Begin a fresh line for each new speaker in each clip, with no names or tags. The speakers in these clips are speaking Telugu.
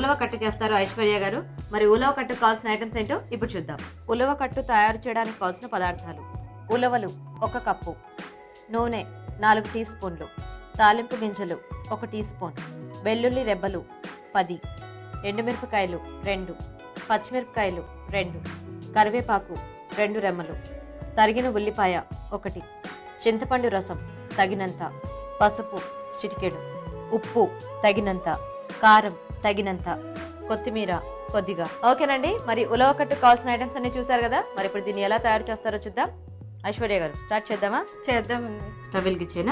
ఉలవ కట్టు చేస్తారు ఐశ్వర్య గారు. మరి ఉలవ కట్టు కావాల్సిన ఐటమ్స్ ఏంటో ఇప్పుడు చూద్దాం. ఉలవ కట్టు తయారు చేయడానికి కావాల్సిన పదార్థాలు: ఉలవలు 1 కప్పు, నూనె 4 టీ స్పూన్లు, తాలింపు గింజలు 1 టీ స్పూన్, వెల్లుల్లి రెబ్బలు 10, ఎండుమిరపకాయలు 2, పచ్చిమిరపకాయలు 2, కరివేపాకు 2 రెమ్మలు, తరిగిన ఉల్లిపాయ 1, చింతపండు రసం తగినంత, పసుపు చిటికెడు, ఉప్పు తగినంత, కారం తగినంత, కొత్తిమీర కొద్దిగా. ఓకేనండి, మరి ఉలవ కట్టు కావాల్సిన ఐటమ్స్ అన్ని చూసారు కదా. మరి ఇప్పుడు దీన్ని ఎలా తయారు చేస్తారో చూద్దాం. ఐశ్వర్య గారు స్టార్ట్ చేద్దామా?
చేద్దామండి.
స్టవ్ వెలిగించేనా?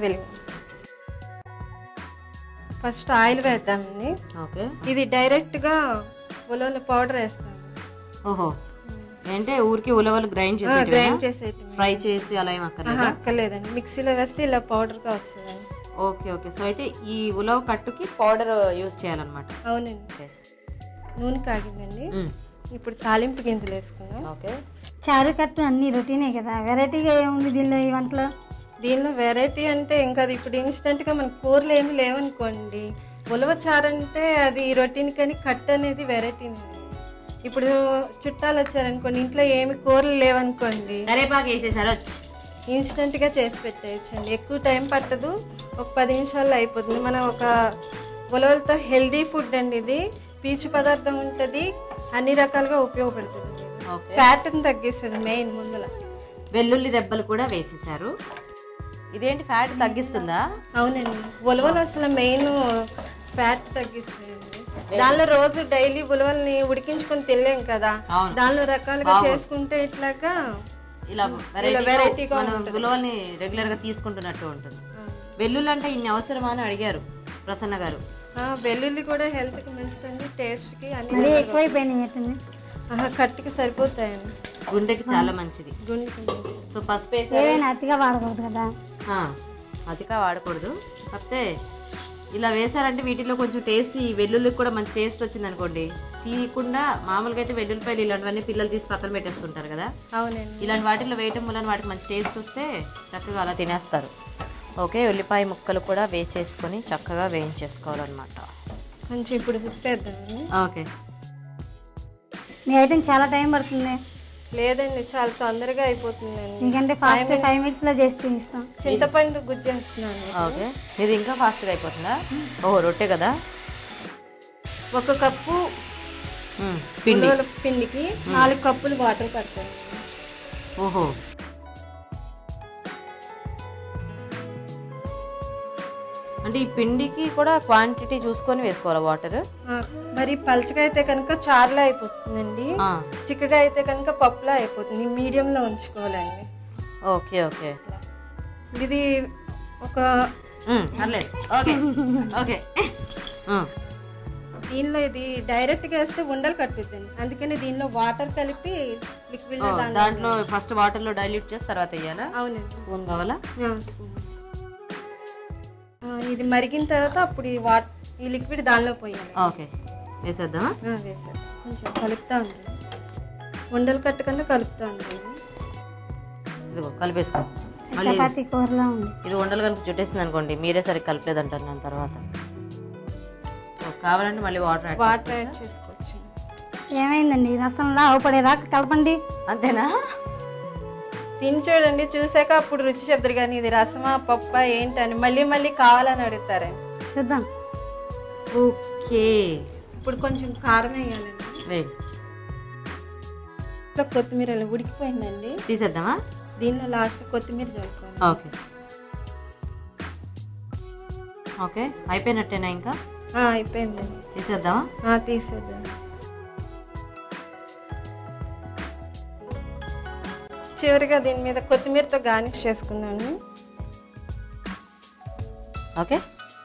ఫస్ట్ ఆయిల్ వేద్దామండి.
ఓకే.
ఇది డైరెక్ట్ గా ఉలవల పౌడర్ వేస్తాం.
ఓహో, అంటే ఊరికి ఉలవలు గ్రైండ్ చేసి ఫ్రై చేసి అలా ఏం
అక్కర్లేదండి. మిక్సీలో వేస్తే ఇలా పౌడర్ గా వస్తుంది.
Okay okay. సో అయితే ఈ ఉలవ కట్టుకి పౌడర్ యూజ్ చేయాలన్నమాట.
అవునండి. నూనె కాగిందండి. ఇప్పుడు తాలింపు గింజలు వేసుకున్నాం.
ఓకే.
చారు కట్టు అన్ని రొటీనే కదా, వెరైటీగా ఏముంది దీనిలో ఈ వంటలో?
దీనిలో వెరైటీ అంటే ఇంకా అది ఇప్పుడు ఇన్స్టెంట్ గా మన కూరలు ఏమి లేవనుకోండి. ఉలవ చారు అంటే అది రొటీన్, కానీ కట్టు అనేది వెరైటీ. ఇప్పుడు చుట్టాలు వచ్చారనుకోండి, ఇంట్లో ఏమి కూరలు లేవనుకోండి,
కరివేపాకు వేసేసారు,
ఇన్స్టెంట్ గా చేసి పెట్టేయచ్చండి. ఎక్కువ టైం పట్టదు, ఒక 10 నిమిషాల్లో అయిపోతుంది. మనం ఒక ఉలవలతో హెల్దీ ఫుడ్ అండి ఇది. పీచు పదార్థం ఉంటుంది, అన్ని రకాలుగా ఉపయోగపడుతుంది. ఫ్యాట్ని తగ్గిస్తుంది మెయిన్ ముందుల.
వెల్లుల్లి రెబ్బలు కూడా వేసేసారు. ఇదేంటి ఫ్యాట్ తగ్గిస్తుందా?
అవునండి, ఉలవలు అసలు మెయిన్ ఫ్యాట్ తగ్గిస్తాయండి. దానిలో రోజు డైలీ ఉలవల్ని ఉడికించుకొని తినలేం కదా, దానిలో రకాలుగా చేసుకుంటే ఇట్లాగా
ఇలా వెరైటీగా ఉలవల్ని రెగ్యులర్ గా తీసుకుంటున్నట్టు ఉంటుంది. వెల్లుల్లి అంటే ఇన్ని అవసరమా అని అడిగారు ప్రసన్న గారు.
వెల్లుల్లి కూడా హెల్త్ కి మంచిదండి, టేస్ట్ కి అన్ని
ఎక్కువైపోయినాయి.
కట్టుకి సరిపోతాయండి,
గుండెకి చాలా మంచిది. సో పసుపు
అతిగా వాడకూడదు కదా.
అతిగా వాడకూడదు, కాకపోతే ఇలా వేసారంటే వీటిలో కొంచెం టేస్ట్, ఈ వెల్లుల్లికి కూడా మంచి టేస్ట్ వచ్చింది అనుకోండి. తీయకుండా మామూలుగా అయితే వెల్లుల్లిపాయలు ఇలాంటివన్నీ పిల్లలు తీసి పక్కన పెట్టేస్తుంటారు కదా.
అవునండి,
ఇలాంటి వాటిలో వేయటం వల్ల వాటికి మంచి టేస్ట్ వస్తే చక్కగా అలా తినేస్తారు. ఓకే, ఉల్లిపాయ ముక్కలు కూడా వేసేసుకొని చక్కగా వేయించేసుకోవాలన్నమాట.
కొంచెం ఇప్పుడు తిప్పేద్దామండి.
ఓకే.
మీ ఐటెం చాలా టైం పడుతుంది.
లేదండి, చాలా తొందరగా అయిపోతుందండి.
ఎందుకంటే ఫాస్ట్ 5 minutes లో చేసి చూపిస్తాం.
చింతపండు గుజ్జేస్తున్నాను.
ఓకే, ఇది ఇంకా ఫాస్ట్గా అయిపోతుందా? ఓహో, రొట్టె కదా.
1 కప్పు పిండికి 4 కప్పులు వాటర్ పడతాయి.
ఓహో, అంటే ఈ పిండికి కూడా క్వాంటిటీ చూసుకొని వేసుకోవాలా వాటర్?
మరి పలుచగా అయితే కనుక చారులా అయిపోతుందండి, చిక్కగా అయితే కనుక పప్పులా అయిపోతుంది. మీడియంలో ఉంచుకోవాలండి.
Okay okay.
ఇది ఒక
ఓకే ఓకే.
దీనిలో ఇది డైరెక్ట్ గా వేస్తే ఉండలు కట్టుతుంది, అందుకని దీనిలో వాటర్ కలిపి లిక్విడ్
దాంట్లో ఫస్ట్ వాటర్ లో డైల్యూట్ చేసి తర్వాత వేయాలా?
అవునండి.
స్పూన్ కావాలా?
ఇది మరిగిన తర్వాత అప్పుడు ఈ లిక్విడ్ దానిలో పోయాలి.
ఓకే, వేసేద్దామా?
వేసేద్దాం. కొంచెం కలుపుతా ఉంటుంది, ఉండలు కట్టకుండా కలుపుతా ఉంటుంది.
ఇదిగో కలిపేసుకో.
చపాతీ కూరలా ఉంది.
ఇది ఉండలు కనుక చుట్టేసింది అనుకోండి, మీరే సరిగ్గా కలపలేదు అంటారు నేను తర్వాత. కావాలంటే మళ్ళీ వాటర్
యాడ్ చేసుకోవచ్చు.
ఏమైందండి, రసంలా అవపడేదాకా కలపండి,
అంతేనా?
తిని చూడండి, చూసాక అప్పుడు రుచి చెప్తారు. కానీ ఇది రసమా పప్పా ఏంటని మళ్ళీ మళ్ళీ కావాలని అడుగుతారండి.
చూద్దాం.
ఓకే,
ఇప్పుడు కొంచెం కారం వేయాలండి. కొత్తిమీర ఉడికిపోయిందండి,
తీసేద్దామా?
దీనిలో లాస్ట్ కొత్తిమీర చల్లుకోవాలి.
ఓకే ఓకే, అయిపోయినట్టేనా? ఇంకా
అయిపోయిందండి,
తీసేద్దామా?
తీసేద్దాం. చివరిగా దీని మీద కొత్తిమీరతో గార్నిష్ చేసుకున్నాను.
ఓకే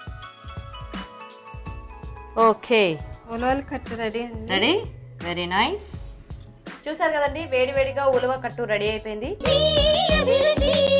ఓకే,
ఉలవల కట్టు రెడీ అండి.
Ready, very nice. చూసారు కదండి, వేడి వేడిగా ఉలవ కట్టు రెడీ అయిపోయింది.